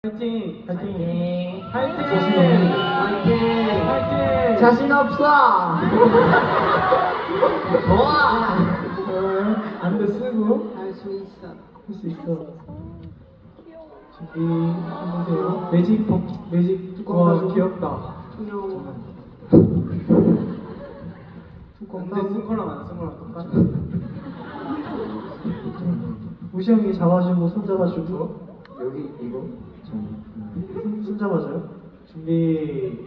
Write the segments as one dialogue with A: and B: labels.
A: 파이팅!
B: 파이팅!
A: 파이팅!
B: 파이팅!
A: 파이팅!
B: 자신 없어! 좋아!
A: 안대 쓰고
B: 할 수 있어.
A: 할 수 있어. 준비해보세요. 매직 뚜껑 와 귀엽다. 근데 쓴 거랑 안 쓴 거랑 똑같아. 우시 형이 잡아주고 손 잡아주고
B: 여기 이거?
A: 손 잡아줘요. 준비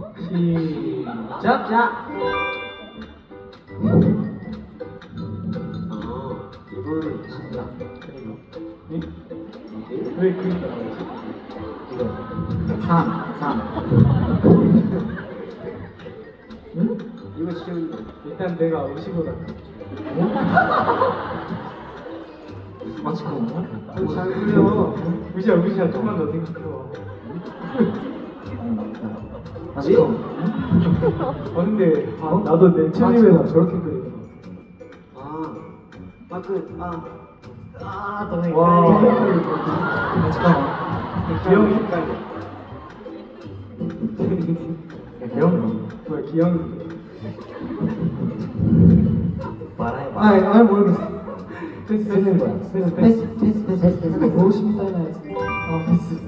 A: 시작.
B: 자! 이거는 진짜.
A: 네? 왜 그니까
B: 이거. 3.
A: 응?
B: 이거 쉬운 거.
A: 일단 내가 우시보다
B: 맛있고. 잘 그려.
A: 우시야 좀만 더 생각해봐.
B: 맛있고.
A: 근데 나도 내 챌린에다 저렇게 그리는 거. 와.
B: 잠깐만.
A: 기영이
B: 헷갈려.
A: 기영? 뭐야 기영이?
B: 말해. 모르겠어.
A: 패스
B: 되는 거야. 패스.
A: 보고 싶다 해놔야지. 패스.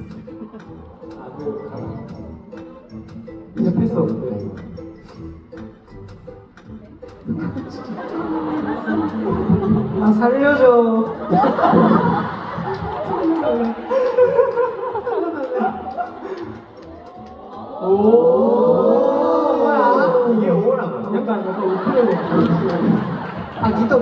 A: 이제 패스 없는데. 살려줘. 뭐야?
B: 이게 오라고요?
A: 약간 우쿨렐레.
B: 기타.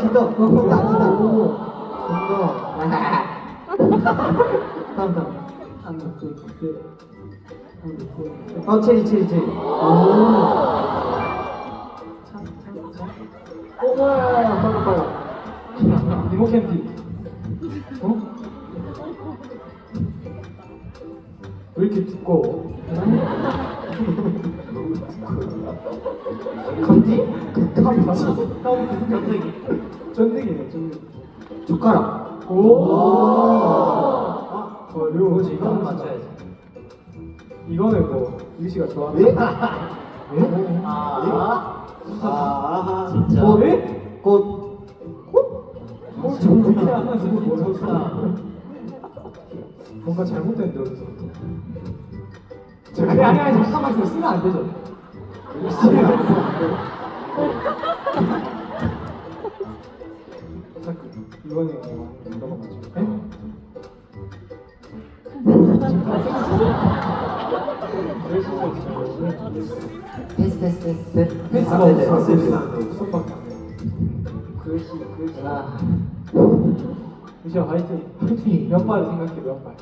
B: 다음. 체리.
A: 뭐야? 빨리. 이모 캔디. 왜 이렇게 두꺼워?
B: 감지?
A: 쫀득이네.
B: 젓가락.
A: 그리고 뭐지?
B: 이거는 맞춰야지.
A: 이거는 뭐 유시가 좋아하는.
B: 진짜. 꽃.
A: 좀 이렇게 하면서 뭐 뭔가 잘못됐는데 여기서부터. 아니 잠깐만 이거 쓰면 안 되죠. 이번에 누가 맞죠? 패스가 없어. 수업밖에 안 돼.
B: 글씨.
A: 유시야 화이팅. 몇 발을 생각해 몇 발.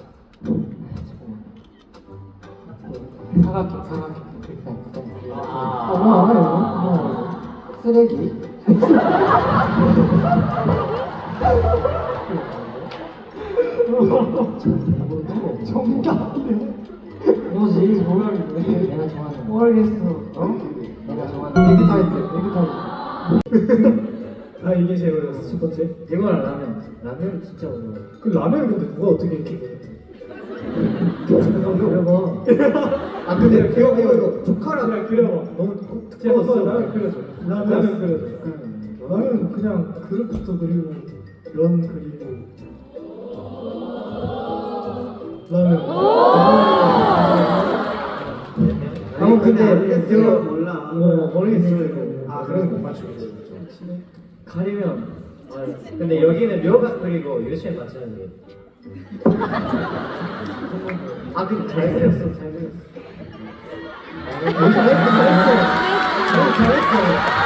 A: 사각형.
B: 뭐야 이거? 쓰레기.
A: 정답이네.
B: 뭐지?
A: 정답이네.
B: 내가 좋아하는 거.
A: 모르겠어.
B: 내가 좋아하는
A: 에그타이트. 이게 제일 어려웠어. 첫 번째.
B: 이거랑 라면 진짜 어려워.
A: 그 라면 근데 누가 어떻게 이렇게 그래?
B: 그려봐. 근데 이거 젓가락
A: 그려봐.
B: 너무
A: 한번 라면 그려줘. 라면 그려줘.
C: 나는 그냥 그릇부터 그리고 면 그리고 라면.
B: 근데 이거 몰라.
C: 모르겠어.
B: 그럼 못 맞추겠지. 가리면. 근데 여기는 묘가 그리고 유치원 맞추는 게. 근데 잘 그렸어. 잘했어.